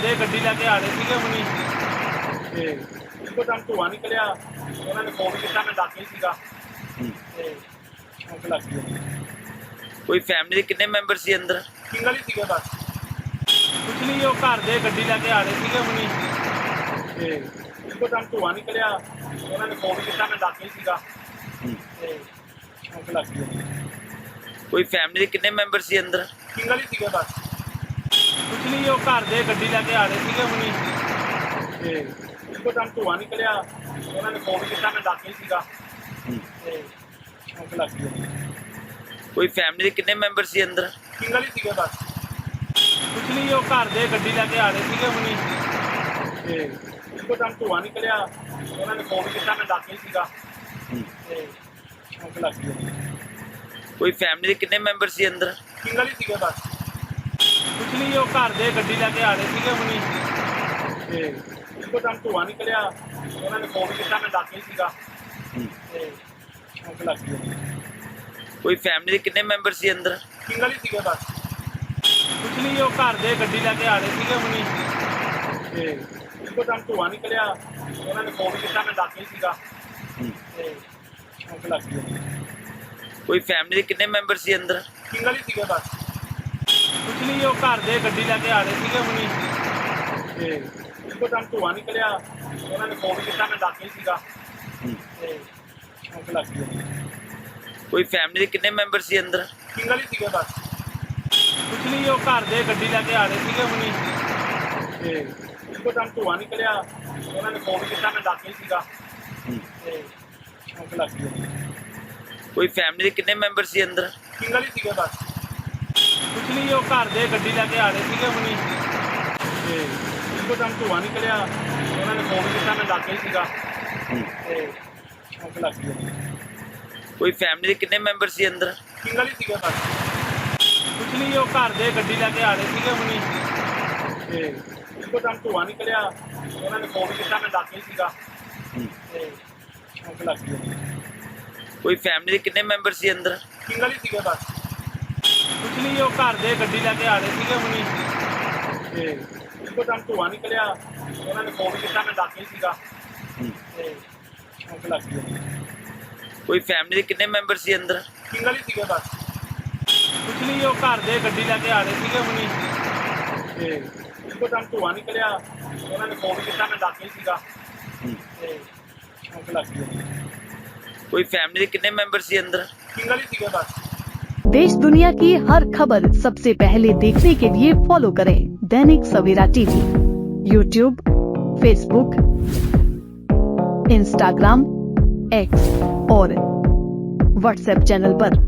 ਦੇ ਗੱਡੀ ਲੈ ਕੇ ਆ ਰਹੇ ਸੀਗੇ ਹੁਣੀ ਤੇ ਇੱਕੋ ਦਮ ਧੂੰਆਂ ਨਿਕਲਿਆ। ਉਹਨਾਂ ਨੇ ਫੋਨ ਕੀਤਾ, ਮੈਂ ਦਾਖਲ ਸੀਗਾ ਤੇ ਅੱਗ ਲੱਗ ਗਈ। ਕੋਈ ਫੈਮਿਲੀ ਦੇ ਕਿੰਨੇ ਮੈਂਬਰ ਸੀ ਅੰਦਰ? ਸਿੰਗਲ ਹੀ ਸੀਗੇ ਬਸ। ਕੁਛ ਨਹੀਂ, ਉਹ ਘਰ ਦੇ ਗੱਡੀ ਲੈ ਕੇ ਆ ਰਹੇ ਸੀਗੇ ਹੁਣੀ ਤੇ ਇੱਕੋ ਦਮ ਧੂੰਆਂ ਨਿਕਲਿਆ। ਉਹਨਾਂ ਨੇ ਫੋਨ ਕੀਤਾ, ਮੈਂ ਦਾਖਲ ਸੀਗਾ ਤੇ ਅੱਗ ਲੱਗ ਗਈ। ਕੋਈ ਫੈਮਿਲੀ ਦੇ ਕਿੰਨੇ ਮੈਂਬਰ ਸੀ ਅੰਦਰ? ਸਿੰਗਲ ਹੀ ਸੀਗੇ ਬਸ। ਕੁਛ ਨਹੀਂ, ਉਹ ਘਰ ਦੇ ਗੱਡੀ ਲੈ ਕੇ ਆ ਰਹੇ ਸੀਗੇ ਹੁਣੀ ਤੇ ਇੱਕੋ ਦਮ ਧੂੰਆਂ ਨਿਕਲਿਆ। ਉਹਨਾਂ ਨੇ ਫੋਨ ਕੀਤਾ, ਮੈਂ ਦਾਖਲ ਸੀਗਾ ਤੇ ਅੱਗ ਲੱਗ ਗਈ। ਕੋਈ ਫੈਮਿਲੀ ਦੇ ਕਿੰਨੇ ਮੈਂਬਰ ਸੀ ਅੰਦਰ? ਸਿੰਗਲ ਹੀ ਸੀਗੇ ਬਸ। ਕੁਛ ਨਹੀਂ, ਉਹ ਘਰ ਦੇ ਗੱਡੀ ਲੈ ਕੇ ਆ ਰਹੇ ਸੀਗੇ ਹੁਣੀ ਤੇ ਇੱਕੋ ਦਮ ਧੂੰਆਂ ਨਿਕਲਿਆ। ਉਹਨਾਂ ਨੇ ਫੋਨ ਕੀਤਾ, ਮੈਂ ਦਾਖਲ ਸੀਗਾ ਤੇ ਅੱਗ ਲੱਗ ਗਈ। ਕੋਈ ਫੈਮਿਲੀ ਦੇ ਕਿੰਨੇ ਮੈਂਬਰ ਸੀ ਅੰਦਰ? ਸਿੰਗਲ ਹੀ ਸੀਗੇ ਬਸ। ਕੁਛ ਨਹੀਂ, ਉਹ ਘਰ ਦੇ ਗੱਡੀ ਲੈ ਕੇ ਆ ਰਹੇ ਸੀਗੇ ਹੁਣੀ ਤੇ ਇੱਕੋ ਦਮ ਧੂੰਆਂ ਨਿਕਲਿਆ। ਉਹਨਾਂ ਨੇ ਫੋਨ ਕੀਤਾ, ਮੈਂ ਦਾਖਲ ਸੀਗਾ ਤੇ ਅੱਗ ਲੱਗ ਗਈ। ਕੋਈ ਫੈਮਿਲੀ ਦੇ ਕਿੰਨੇ ਮੈਂਬਰ ਸੀ ਅੰਦਰ? ਸਿੰਗਲ ਹੀ ਸੀਗੇ ਬਸ। ਕੁਛ ਨਹੀਂ, ਉਹ ਘਰ ਦੇ ਗੱਡੀ ਲੈ ਕੇ ਆ ਰਹੇ ਸੀਗੇ ਹੁਣੀ ਤੇ ਇੱਕੋ ਦਮ ਧੂੰਆਂ ਨਿਕਲਿਆ। ਉਹਨਾਂ ਨੇ ਫੋਨ ਕੀਤਾ, ਮੈਂ ਦਾਖਲ ਸੀਗਾ ਤੇ ਅੱਗ ਲੱਗ ਗਈ। ਕੋਈ ਫੈਮਿਲੀ ਦੇ ਕਿੰਨੇ ਮੈਂਬਰ ਸੀ ਅੰਦਰ? ਸਿੰਗਲ ਹੀ ਸੀਗੇ ਬਸ। ਕੁਛ ਨਹੀਂ, ਉਹ ਘਰ ਦੇ ਗੱਡੀ ਲੈ ਕੇ ਆ ਰਹੇ ਸੀਗੇ ਹੁਣੀ ਤੇ ਇੱਕੋ ਦਮ ਧੂੰਆਂ ਨਿਕਲਿਆ। ਉਹਨਾਂ ਨੇ ਫੋਨ ਕੀਤਾ, ਮੈਂ ਦਾਖਲ ਸੀਗਾ ਤੇ ਅੱਗ ਲੱਗ ਗਈ। ਕੋਈ ਫੈਮਿਲੀ ਦੇ ਕਿੰਨੇ ਮੈਂਬਰ ਸੀ ਅੰਦਰ? ਸਿੰਗਲ ਹੀ ਸੀਗੇ ਬਸ। ਕੁਛ ਨਹੀਂ, ਉਹ ਘਰ ਦੇ ਗੱਡੀ ਲੈ ਕੇ ਆ ਰਹੇ ਸੀਗੇ ਹੁਣੀ ਤੇ ਇੱਕੋ ਦਮ ਧੂੰਆਂ ਨਿਕਲਿਆ। ਉਹਨਾਂ ਨੇ ਫੋਨ ਕੀਤਾ, ਮੈਂ ਦਾਖਲ ਸੀਗਾ ਤੇ ਅੱਗ ਲੱਗ ਗਈ। ਕੋਈ ਫੈਮਿਲੀ ਦੇ ਕਿੰਨੇ ਮੈਂਬਰ ਸੀ ਅੰਦਰ? ਸਿੰਗਲ ਹੀ ਸੀਗੇ ਬਸ। ਕੁਛ ਨਹੀਂ, ਉਹ ਘਰ ਦੇ ਗੱਡੀ ਲੈ ਕੇ ਆ ਰਹੇ ਸੀਗੇ ਹੁਣੀ ਤੇ ਇੱਕੋ ਦਮ ਧੂੰਆਂ ਨਿਕਲਿਆ। ਉਹਨਾਂ ਨੇ ਫੋਨ ਕੀਤਾ, ਮੈਂ ਦਾਖਲ ਸੀਗਾ ਤੇ ਅੱਗ ਲੱਗ ਗਈ। ਕੋਈ ਫੈਮਿਲੀ ਦੇ ਕਿੰਨੇ ਮੈਂਬਰ ਸੀ ਅੰਦਰ? ਸਿੰਗਲ ਹੀ ਸੀਗੇ ਬਸ। ਕੁਛ ਨਹੀਂ, ਉਹ ਘਰ ਦੇ ਗੱਡੀ ਲੈ ਕੇ ਆ ਰਹੇ ਸੀਗੇ ਹੁਣੀ ਤੇ ਇੱਕੋ ਦਮ ਧੂੰਆਂ ਨਿਕਲਿਆ। ਉਹਨਾਂ ਨੇ ਫੋਨ ਕੀਤਾ, ਮੈਂ ਦਾਖਲ ਸੀਗਾ ਤੇ ਅੱਗ ਲੱਗ ਗਈ। ਕੋਈ ਫੈਮਿਲੀ ਦੇ ਕਿੰਨੇ ਮੈਂਬਰ ਸੀ ਅੰਦਰ? ਸਿੰਗਲ ਹੀ ਸੀਗੇ ਬਸ। ਕੁਛ ਨਹੀਂ, ਉਹ ਘਰ ਦੇ ਗੱਡੀ ਲੈ ਕੇ ਆ ਰਹੇ ਸੀਗੇ ਹੁਣੀ ਤੇ ਇੱਕੋ ਦਮ ਧੂੰਆਂ ਨਿਕਲਿਆ। ਉਹਨਾਂ ਨੇ ਫੋਨ ਕੀਤਾ, ਮੈਂ ਦਾਖਲ ਸੀਗਾ ਤੇ ਅੱਗ ਲੱਗ ਗਈ। ਕੋਈ ਫੈਮਿਲੀ ਦੇ ਕਿੰਨੇ ਮੈਂਬਰ ਸੀ ਅੰਦਰ? ਸਿੰਗਲ ਹੀ ਸੀਗੇ ਬਸ। ਕੁਛ ਨਹੀਂ, ਉਹ ਘਰ ਦੇ ਗੱਡੀ ਲੈ ਕੇ ਆ ਰਹੇ ਸੀਗੇ ਹੁਣੀ ਤੇ ਇੱਕੋ ਦਮ ਧੂੰਆਂ ਨਿਕਲਿਆ। ਉਹਨਾਂ ਨੇ ਫੋਨ ਕੀਤਾ, ਮੈਂ ਦਾਖਲ ਸੀਗਾ ਤੇ ਅੱਗ ਲੱਗ ਗਈ। ਕੋਈ ਫੈਮਿਲੀ ਦੇ ਕਿੰਨੇ ਮੈਂਬਰ ਸੀ ਅੰਦਰ? ਸਿੰਗਲ ਹੀ ਸੀਗੇ बस। देश दुनिया की हर खबर सबसे पहले देखने के लिए फॉलो करें Dainik Savera TV, YouTube, Facebook, Instagram, X और व्हाट्सएप चैनल पर।